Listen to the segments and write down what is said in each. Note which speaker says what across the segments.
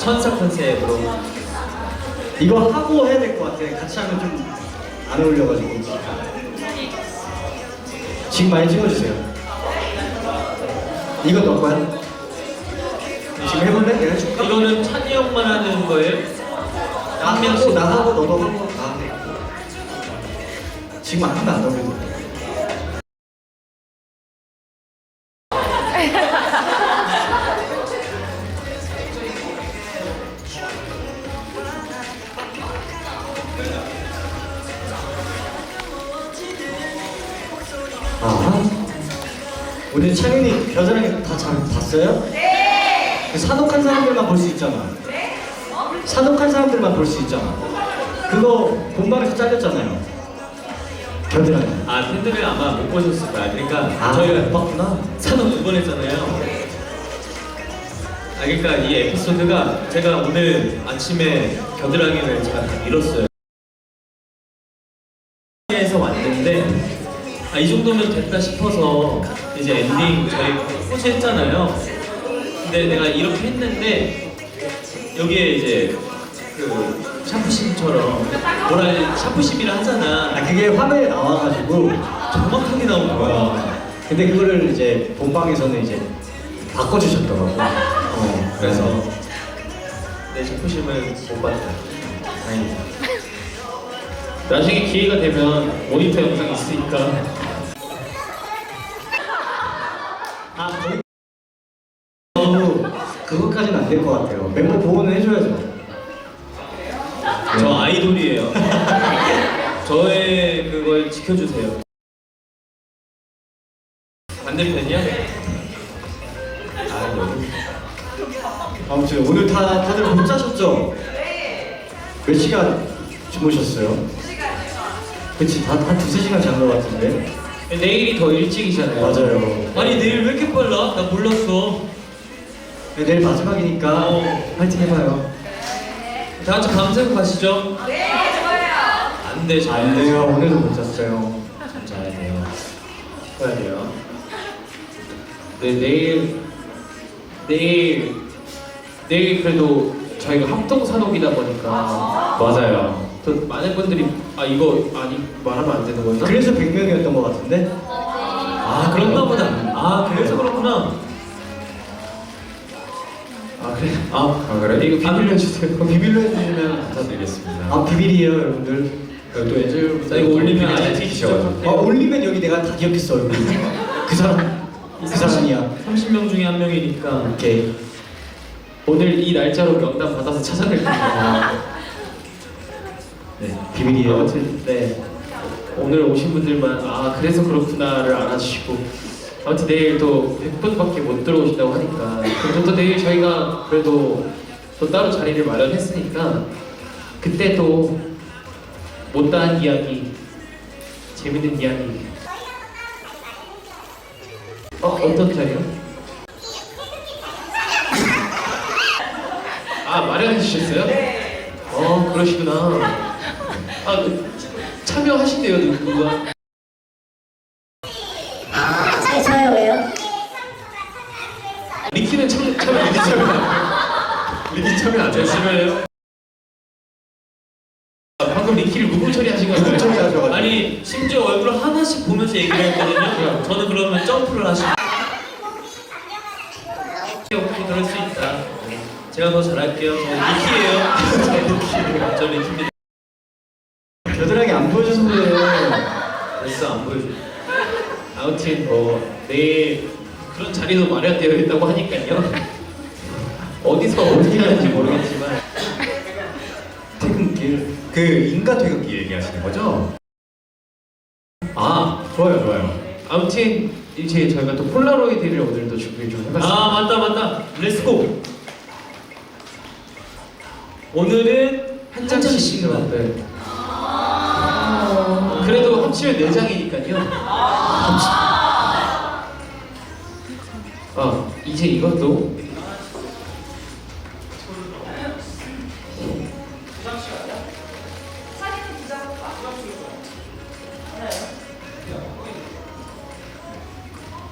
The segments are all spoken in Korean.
Speaker 1: 천사 컨셉으로.
Speaker 2: 이거 하고 해야 될 것 같아. 같이 하면 좀 안 어울려가지고. 지금 많이 찍어주세요. 이거 너 거야? 지금 해볼래? 내가 해줄까?
Speaker 1: 이거는 찬이 형만 하는 거예요?
Speaker 2: 한 명씩 나하고 너도 하고 나. 지금 안 하면 안 어울려. 오늘 창윤이 겨드랑이 다 잘 봤어요? 네! 산옥한 사람들만 볼 수 있잖아. 네? 산옥한 사람들만 볼 수 있잖아. 그거 본방에서 잘렸잖아요. 겨드랑이.
Speaker 1: 아, 팬들은 아마 못 보셨을 거야. 그러니까
Speaker 2: 저희가 못 봤구나.
Speaker 1: 산업 2번 했잖아요. 아, 그러니까 이 에피소드가 제가 오늘 아침에 겨드랑이를 제가 다 밀었어요. 에서 왔는데 이 정도면 됐다 싶어서 이제 엔딩 저희 포즈 했잖아요. 근데 내가 이렇게 했는데 여기에 이제 그 샤프심처럼 샤프심이라 하잖아.
Speaker 2: 그게 화면에 나와가지고
Speaker 1: 정확하게 나오는 거야.
Speaker 2: 근데 그거를 이제 본방에서는 이제 바꿔주셨더라고.
Speaker 1: 그래서 내 샤프심을 못 봤다. 다행이다. 나중에 기회가 되면 모니터 영상 있으니까.
Speaker 2: 거의 너무 그것까지는 안 될 것 같아요. 멤버 보호는 해줘야죠.
Speaker 1: 저 아이돌이에요. 저의 그걸 지켜주세요. 반대편이야? 여기.
Speaker 2: 아무튼 오늘 다들 못 자셨죠? 몇 시간 주무셨어요? 그치, 한 두세 시간 잔 것 같은데?
Speaker 1: 내일이 더 일찍이잖아요.
Speaker 2: 맞아요.
Speaker 1: 아니 내일 왜 이렇게 빨라? 나 몰랐어.
Speaker 2: 네, 내일 마지막이니까 파이팅 해봐요.
Speaker 1: 다 같이 밤새고 가시죠? 네, 좋아요. 안 돼,
Speaker 2: 안 돼요. 오늘도 못 잤어요.
Speaker 1: 참 자야 돼요. 쉬어야 돼요. 네, 내일 그래도 저희가 합동산옥이다 보니까 맞아요. 또 많은 분들이 이거 말하면 안 되는 거였나?
Speaker 2: 그래서 100명이었던 것 같은데?
Speaker 1: 그런가 보다. 그래서 그렇구나. 그래? 이거 비밀로 해주세요.
Speaker 2: 비밀로 해주시면
Speaker 1: 감사드리겠습니다.
Speaker 2: 비밀이에요, 여러분들.
Speaker 1: 또 엔젤 이거 올리면 아예
Speaker 2: 튀기셔가지고. 올리면 여기 내가 다 기억했어, 얼굴. 그 사람이야.
Speaker 1: 30명 중에 한 명이니까.
Speaker 2: 오케이.
Speaker 1: 오늘 이 날짜로 명단 받아서 찾아낼 겁니다.
Speaker 2: 네, 비밀이에요.
Speaker 1: 아무튼 네, 오늘 오신 분들만 그래서 그렇구나를 알아주시고, 아무튼 내일 또 100분밖에 못 들어오신다고 하니까 그럼 또 내일 저희가 그래도 또 따로 자리를 마련했으니까 그때 또 못다한 이야기, 재밌는 이야기. 어떤 자리요? 마련해 주셨어요? 네. 그러시구나. 참여하신대요, 누가?
Speaker 3: 저요 왜요?
Speaker 1: 리키는 리키 참여 안 돼요? 잠시만요. 방금 리키를 무분 처리하신 거예요?
Speaker 2: 무분 처리하셔가지고.
Speaker 1: 아니, 심지어 얼굴 하나씩 보면서 얘기를 했거든요. 저는 그러면 점프를 하시고. 오케이, 그럴 수 있다. 제가 더 잘할게요. 저 리키예요. 저 리키입니다.
Speaker 2: 겨드랑이 안 보여줘서 그래.
Speaker 1: 됐어, 안 보여줘. 아무튼 내일 그런 자리도 마련되어 있다고 하니까요. 어디서 어떻게 하는지 모르겠지만
Speaker 2: 퇴근길. 그 인가 퇴근길 얘기하시는 거죠?
Speaker 1: 좋아요. 아무튼 이제 저희가 또 폴라로이드를 오늘도 준비 좀 해봤습니다. 맞다. 렛츠고. 오늘은 한 장씩만. 네. 그래도 합치면 4장이니까요. 이제 이것도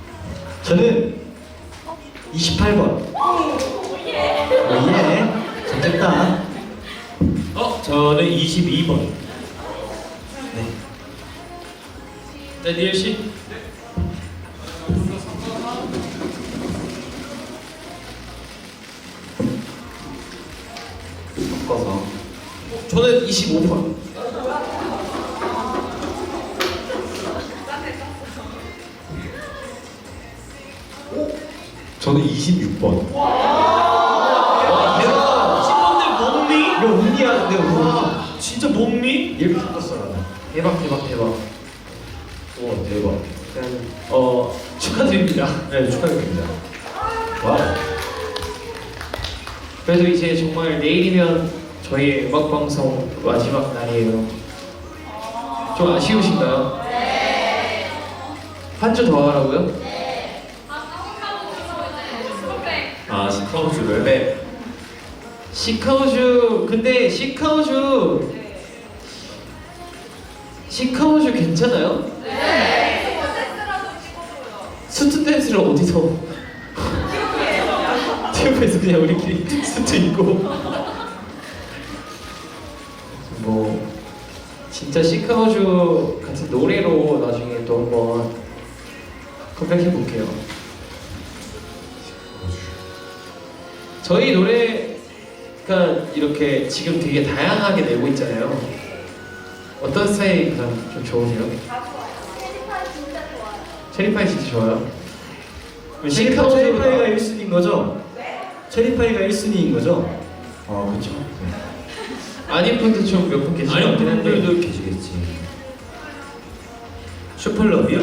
Speaker 2: 저는 28번. 예.
Speaker 4: 저는 22번.
Speaker 1: 네, 니엘 씨.
Speaker 5: 바꿔서
Speaker 1: 저는 25번.
Speaker 5: 저는 26번.
Speaker 1: 대박.
Speaker 4: 10번들 몸미?
Speaker 2: 이거 운이야, 근데 운.
Speaker 4: 진짜 몸미?
Speaker 2: 이렇게 바꿨어, 나는.
Speaker 1: 대박.
Speaker 5: 오 대박.
Speaker 1: 축하드립니다.
Speaker 5: 네 축하드립니다.
Speaker 2: 와우.
Speaker 1: 그래도 이제 정말 내일이면 저희 음악 방송 마지막 날이에요. 좀 아쉬우신가요? 네. 한 주 더 하라고요?
Speaker 5: 아 시카우즈를.
Speaker 1: 네. 시카우즈 근데 시카우즈 괜찮아요? 네. 스투 댄스를 어디서? 티오프에서 그냥 우리끼리 스투 입고 뭐 진짜 시카우즈 같은 노래로 나중에 또 한번 컴백해 볼게요. 저희 노래가 이렇게 지금 되게 다양하게 내고 있잖아요. 어떤 스타일이 가장 좀 좋으세요? 체리파이 진짜 좋아요.
Speaker 2: 체리파이가 1순위인 거죠? 체리파이가 1순위인 거죠? 그쵸.
Speaker 1: 아닌 분도 좀 몇 분 계시긴
Speaker 4: 아니
Speaker 1: 한데
Speaker 4: 분들도 계시겠지. 슈퍼러비요?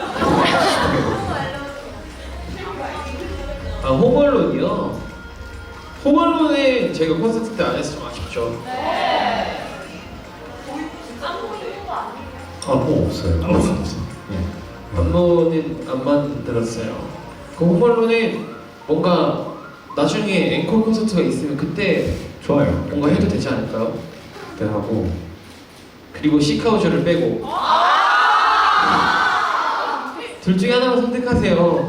Speaker 1: 아 홈얼론이요? 홈얼론은 제가 콘서트 때 안 해서 좀 아쉽죠.
Speaker 5: 아뭐 없어요.
Speaker 2: 아무것도 없어.
Speaker 1: 안무는 안 만들었어요. 그 홈얼론은 뭔가 나중에 앵콜 콘서트가 있으면 그때
Speaker 2: 좋아요.
Speaker 1: 뭔가 해도 되지 않을까요?
Speaker 5: 그때 하고
Speaker 1: 그리고 시카우즈를 빼고 둘 중에 하나만 선택하세요.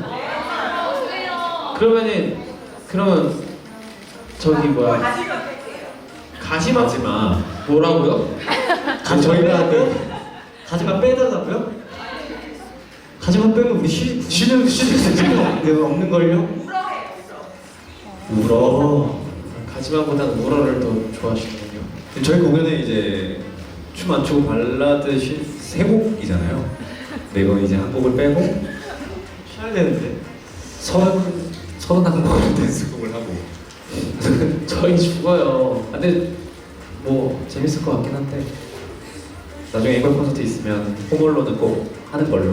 Speaker 1: 그러면 저기 뭐야 가시마
Speaker 5: 마지막
Speaker 1: 뭐라고요?
Speaker 2: 저희가 가지마 빼달라고요? 가지마 빼면 우리 쉬는 수가 없는 걸요?
Speaker 5: 울어.
Speaker 1: 가지마보다는 우러를 더 좋아하시는군요.
Speaker 5: 저희 공연에 이제 춤 안 추고 발라드 세 곡이잖아요. 근데 이건 이제 한 곡을 빼고
Speaker 2: 쉬어야 되는데.
Speaker 5: 31곡을 댄스곡을 하고.
Speaker 1: 저희 죽어요. 근데 뭐 재밌을 것 같긴 한데
Speaker 5: 나중에 앵콜 콘서트 있으면 홈얼로는 꼭 하는 걸로.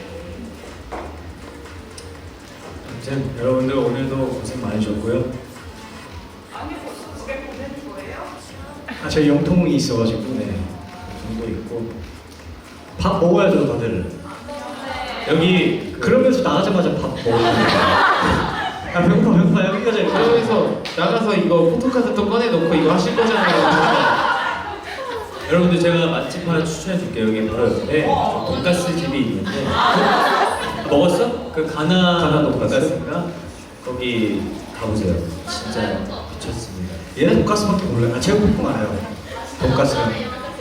Speaker 4: 아무튼 여러분들 오늘도 고생 많으셨고요.
Speaker 2: 저희 영통이 있어가지고
Speaker 4: 정도 있고
Speaker 2: 밥 먹어야죠 다들.
Speaker 4: 여기
Speaker 2: 그러면서 나가자마자 밥 먹어야 아 배고파 여기까지.
Speaker 1: 그러면서 나가서 이거 포토카드 또 꺼내놓고 이거 하실 거잖아요.
Speaker 4: 여러분들 제가 맛집 하나 추천해 줄게요. 여기 바로 옆에 돈가스 집이 있는데 먹었어? 그 가나 돈가스인가? 거기 가보세요. 진짜 미쳤습니다.
Speaker 2: 얘는 돈가스밖에 몰라요. 제육볶음 알아요. 돈가스는.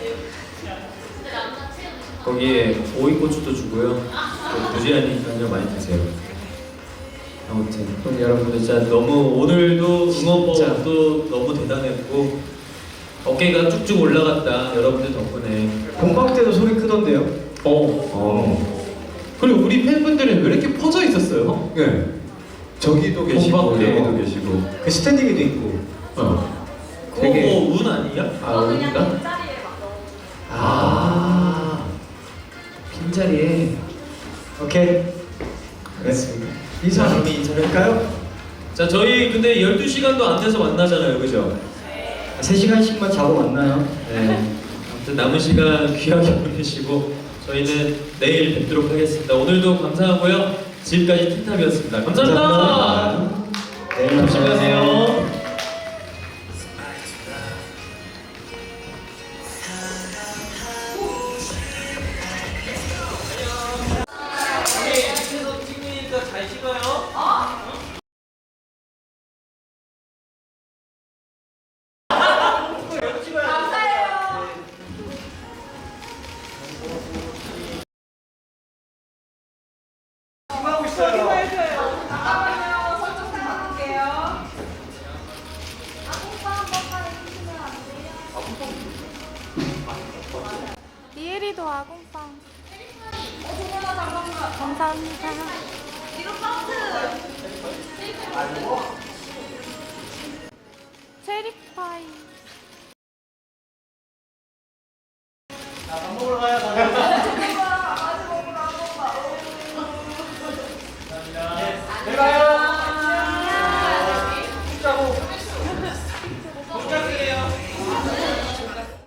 Speaker 4: 거기에 오이고추도 주고요. 또 무제한이니까요. 많이 드세요. 아무튼 그럼 여러분들 진짜 너무 오늘도 응원법도 너무 대단했고 어깨가 쭉쭉 올라갔다. 여러분들 덕분에.
Speaker 2: 본방 때도 소리 크던데요.
Speaker 1: 그리고 우리 팬분들은 왜 이렇게 퍼져 있었어요?
Speaker 5: 네. 저기도 계시고
Speaker 1: 공방 때.
Speaker 5: 여기도 계시고.
Speaker 2: 그 스탠딩에도 있고.
Speaker 1: 되게-
Speaker 4: 그거 뭐운 아니야?
Speaker 1: 아 우리가? 아 빈자리에
Speaker 2: 오케이.
Speaker 1: 그랬습니다.
Speaker 2: 인사
Speaker 4: 그럼 인사를
Speaker 2: 할까요?
Speaker 4: 자 저희 근데 12시간도 안 돼서 만나잖아요. 그죠?
Speaker 2: 3시간씩만 자고 만나요.
Speaker 4: 네. 아무튼 남은 시간 귀하게 보내시고 저희는 내일 뵙도록 하겠습니다. 오늘도 감사하고요. 지금까지 틴탑이었습니다. 감사합니다.
Speaker 2: 내일
Speaker 4: 조심히 가세요. 잘 찍어요.
Speaker 6: 감사해요. 오늘도 아궁빵. 감사합니다. 체리파이.
Speaker 2: 밥 먹으러 가요.